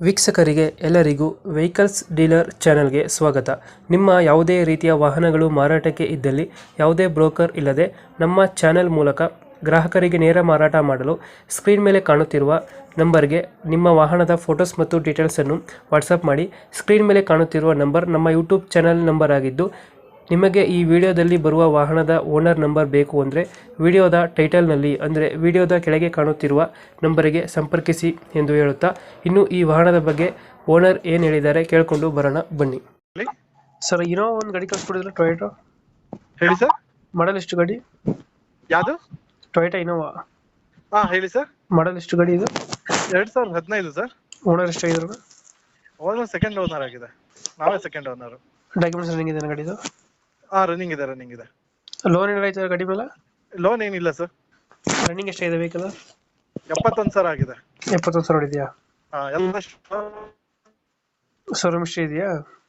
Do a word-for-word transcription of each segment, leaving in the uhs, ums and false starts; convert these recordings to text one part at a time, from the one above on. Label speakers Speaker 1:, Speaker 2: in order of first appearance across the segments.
Speaker 1: ವೀಕ್ಷಕರಿಗೆ ಎಲ್ಲರಿಗೂ vehicles dealer ಚಾನೆಲ್ಗೆ ಸ್ವಾಗತ. ನಿಮ್ಮ ಯಾವುದೇ ರೀತಿಯ ವಾಹನಗಳು ಮಾರಾಟಕ್ಕೆ ಇದ್ದಲ್ಲಿ ಯಾವುದೇ ಬ್ರೋಕರ್ ಇಲ್ಲದೆ ನಮ್ಮ ಚಾನೆಲ್ ಮೂಲಕ ಗ್ರಾಹಕರಿಗೆ ನೇರ ಮಾರಾಟ ಮಾಡಲು ಸ್ಕ್ರೀನ್ ಮೇಲೆ ಕಾಣುತ್ತಿರುವ ನಂಬರ್ಗೆ ನಿಮ್ಮ ವಾಹನದ ಫೋಟೋಸ್ ಮತ್ತು ಡೀಟೇಲ್ಸನ್ನು ವಾಟ್ಸಪ್ ಮಾಡಿ. ಸ್ಕ್ರೀನ್ ಮೇಲೆ ಕಾಣುತ್ತಿರುವ ನಂಬರ್ ನಮ್ಮ ಯೂಟ್ಯೂಬ್ ಚಾನೆಲ್ ನಂಬರ್ ಆಗಿದ್ದು, ನಿಮಗೆ ಈ ವಿಡಿಯೋದಲ್ಲಿ ಬರುವ ವಾಹನದ ಓನರ್ ನಂಬರ್ ಬೇಕು ಅಂದರೆ ವಿಡಿಯೋದ ಟೈಟಲ್ನಲ್ಲಿ ಅಂದರೆ ವಿಡಿಯೋದ ಕೆಳಗೆ ಕಾಣುತ್ತಿರುವ ನಂಬರಿಗೆ ಸಂಪರ್ಕಿಸಿ ಎಂದು ಹೇಳುತ್ತಾ, ಇನ್ನು ಈ ವಾಹನದ ಬಗ್ಗೆ ಓನರ್ ಏನು ಹೇಳಿದ್ದಾರೆ ಕೇಳಿಕೊಂಡು ಬರೋಣ ಬನ್ನಿ.
Speaker 2: ಹೇಳಿ
Speaker 1: ಸರ್, ಇರೋ ಒಂದು ಗಾಡಿ ಕಳಿಸ್ಕೊಡಿದ್ರೆ ಟೊಯೋಟೋ
Speaker 2: ಹೇಳಿ ಸರ್.
Speaker 1: ಮಾಡಲ್ ಎಷ್ಟು ಗಾಡಿ?
Speaker 2: ಯಾವುದು?
Speaker 1: ಟೊಯೋಟಾ ಇನೋವಾ
Speaker 2: ಹಾ ಹೇಳಿ ಸರ್.
Speaker 1: ಮಾಡಲ್ ಎಷ್ಟು ಗಾಡಿ ಇದು?
Speaker 2: ಎರಡ್ ಸಾವಿರದ ಹದಿನೈದು ಸರ್.
Speaker 1: ಓನರ್ ಎಷ್ಟಾಗಿದ್ರು?
Speaker 2: ಓನರ್ ಸೆಕೆಂಡ್ ಓನರ್ ಆಗಿದೆ, ನಾವೇ ಸೆಕೆಂಡ್ ಓನರ್.
Speaker 1: ಡಾಕ್ಯುಮೆಂಟ್ಸ್ ರನ್ನಿಂಗ್ ಇದೆ ಗಾಡಿದು?
Speaker 2: ಹಾ ರನ್ನಿಂಗ್ ಇದೆ, ರನ್ನಿಂಗ್ ಇದೆ.
Speaker 1: ಲೋನ್ ಏನಾರ ಆಯ್ತಾ ಗಾಡಿ ಮೇಲೆ?
Speaker 2: ಲೋನ್ ಏನಿಲ್ಲ ಸರ್.
Speaker 1: ರನ್ನಿಂಗ್ ಎಷ್ಟಾಗಿದೆ ವೆಹಿಕಲ್?
Speaker 2: ಎಪ್ಪತ್ತೊಂದು ಸಾವಿರ ಆಗಿದೆ.
Speaker 1: ಎಪ್ಪತ್ತೊಂದು ಸಾವಿರ ಇದೆಯಾ?
Speaker 2: ಹಾ ಎಲ್ಲ
Speaker 1: ಶೋರೂಮ್ ಇಷ್ಟ ಇದೆಯಾ?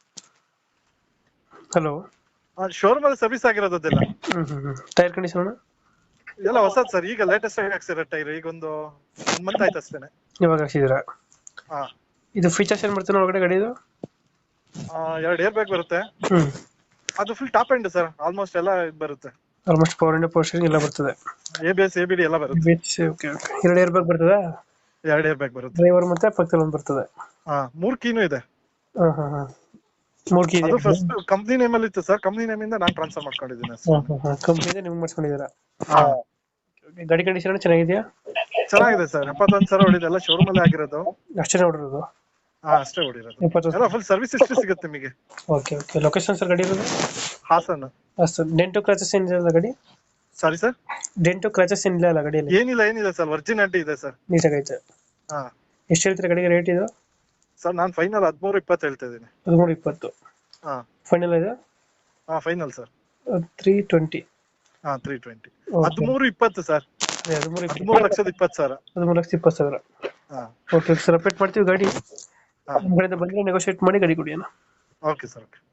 Speaker 1: ಹಲೋ,
Speaker 2: ಶೋರೂಮ್ ಅಲ್ಲಿ ಸರ್ವಿಸ್ ಆಗಿರೋದೆಲ್ಲ.
Speaker 1: ಹ್ಮ್ ಹ್ಮ್ ಹ್ಮ್ ಟೈರ್ ಕಂಡೀಷನ್
Speaker 2: ಎಲ್ಲ ಹೊಸದ್ ಸರ್. ಈಗ ಲೇಟೆಸ್ಟ್ ಆಗಿ ಹಾಕ್ಸಿರೋ ಟೈರ್, ಈಗ ಒಂದು ಒಂದ್ ಮಂತ್ ಆಯ್ತು ಅಷ್ಟೇನೆ.
Speaker 1: ಇವಾಗ ಹಾಕ್ಸಿದ್ದೀರಾ?
Speaker 2: ಹಾ.
Speaker 1: ಇದು ಫೀಚರ್ಸ್ ಏನ್ ಬರ್ತದೆ ಒಳಗಡೆ ಗಾಡಿದು?
Speaker 2: ಎರಡು ಏರ್ ಬ್ಯಾಗ್ ಬರುತ್ತೆ.
Speaker 1: ಹ್ಮ್
Speaker 2: ಅದು full top end sir, almost ಎಲ್ಲ ಇದ್ ಬರುತ್ತೆ.
Speaker 1: ಆಲ್ಮೋಸ್ಟ್ ಪವರ್ ಇಂಡ ಪವರ್ ಸ್ಟೀರಿಂಗ್ ಎಲ್ಲ ಬರ್ತದೆ.
Speaker 2: A B S A B D ಎಲ್ಲ ಬರುತ್ತೆ.
Speaker 1: ಓಕೆ ಓಕೆ ಎರಡು ಏರ್ ಬ್ಯಾಗ್ ಬರ್ತದೆ?
Speaker 2: ಎರಡು ಏರ್ ಬ್ಯಾಗ್ ಬರುತ್ತೆ.
Speaker 1: ಡ್ರೈವರ್ ಮತ್ತೆ ಪಕ್ಕದಲ್ಲಿ ಒಂದು ಬರ್ತದೆ.
Speaker 2: ಹಾ ಮೂರ್ ಕೀನು ಇದೆ.
Speaker 1: ಹಾ ಹಾ ಹಾ ಮೂರು ಕೀ ಇದೆ.
Speaker 2: ಅದು ಫಸ್ಟ್ ಕಂಪ್ನಿ ನೇಮ್ ಅಲ್ಲಿ ಇತ್ತು ಸರ್, ಕಂಪ್ನಿ ನೇಮ್ ಇಂದ ನಾನು ಟ್ರಾನ್ಸ್ಫರ್ ಮಾಡ್ಕೊಂಡಿದ್ದೀನಿ ಅಷ್ಟೇ.
Speaker 1: ಹಾ ಹಾ ಹಾ ಕಂಪ್ನಿದೆ ನಿಮ್ಗೆ ಮಾಡಿಸ್ಕೊಂಡಿದ್ದೀರಾ?
Speaker 2: ಹಾ
Speaker 1: ಗಾಡಿ ಕಂಡೀಷನ್ ಚೆನ್ನಾಗಿದೆಯಾ?
Speaker 2: ಚೆನ್ನಾಗಿದೆ ಸರ್. ಎಪ್ಪತ್ತೊಂದು ಸಾವಿರ ಹೊಡಿದೆ, ಎಲ್ಲ ಶೋರೂಮ್ ಅಲ್ಲೇ ಆಗಿರೋದು.
Speaker 1: ಅಷ್ಟೇ ನೋಡಿರೋದು?
Speaker 2: ಹಾ ಅಷ್ಟೇ ಹೊಡಿರೋದು.
Speaker 1: ಎಪ್ಪತ್ತೊಂದು
Speaker 2: ಎಲ್ಲ ಫುಲ್ ಸರ್ವಿಸ್ ಹಿಸ್ಟ್ರಿ ಸಿಗುತ್ತೆ ನಿಮಗೆ.
Speaker 1: ಓಕೆ ಓಕೆ ಲೊಕೇಶನ್ ಸರ್ ಗಾಡಿ ಇರೋದು?
Speaker 2: ಹಾಸನ್.
Speaker 1: ಸರ್ ಡೆಂಟು ಕ್ರಾಚಸ್ ಏನಿಲ್ಲ ಗಾಡಿ?
Speaker 2: Sorry sir?
Speaker 1: ಡೆಂಟು ಕ್ರಾಚಸ್ ಏನಿಲ್ಲ ಅಲ್ಲ ಗಾಡಿಯಲ್ಲಿ?
Speaker 2: ಏನಿಲ್ಲ ಏನಿಲ್ಲ ಸರ್, ಒರಿಜಿನಾಲಿಟಿ ಇದೆ ಸರ್.
Speaker 1: ನೀಟಾಗೈತೆ.
Speaker 2: ಹಾ
Speaker 1: ಎಷ್ಟು ಹೇಳ್ತೀರಾ ಗಾಡಿಗೆ ರೇಟ್ ಇದು?
Speaker 2: ಸರ್ ನಾನು ಫೈನಲ್ ಹದಿಮೂರು ಇಪ್ಪತ್ತು ಹೇಳ್ತಾ ಇದ್ದೀನಿ.
Speaker 1: ಹದಿಮೂರು ಇಪ್ಪತ್ತು
Speaker 2: ಹಾ
Speaker 1: ಫೈನಲ್ ಇದೆ?
Speaker 2: ಹಾ ಫೈನಲ್ ಸರ್.
Speaker 1: Three twenty.
Speaker 2: ಹಾ ತ್ರೀ ಟ್ವೆಂಟಿ ಹದಿಮೂರು ಇಪ್ಪತ್ತು ಸರ್.
Speaker 1: ಹದಿಮೂರು
Speaker 2: ಹದಿಮೂರು ಲಕ್ಷದ ಇಪ್ಪತ್ತು ಸಾವಿರ.
Speaker 1: ಹದಿಮೂರು ಲಕ್ಷದ ಇಪ್ಪತ್ತು ಸಾವಿರ.
Speaker 2: ಹಾ
Speaker 1: ಓಕೆ ಸರ್, ಅಪ್ಡೇಟ್ ಮಾಡ್ತೀವಿ ಗಾಡಿ.
Speaker 2: ಹಾ
Speaker 1: ನಮ್ಮ ಕಡೆಯಿಂದ ಬಂದರೆ ನೆಗೋಷಿಯೇಟ್ ಮಾಡಿ ಗಾಡಿ ಕೊಡಿ ಅಣ್ಣ.
Speaker 2: Okay sir. ಓಕೆ.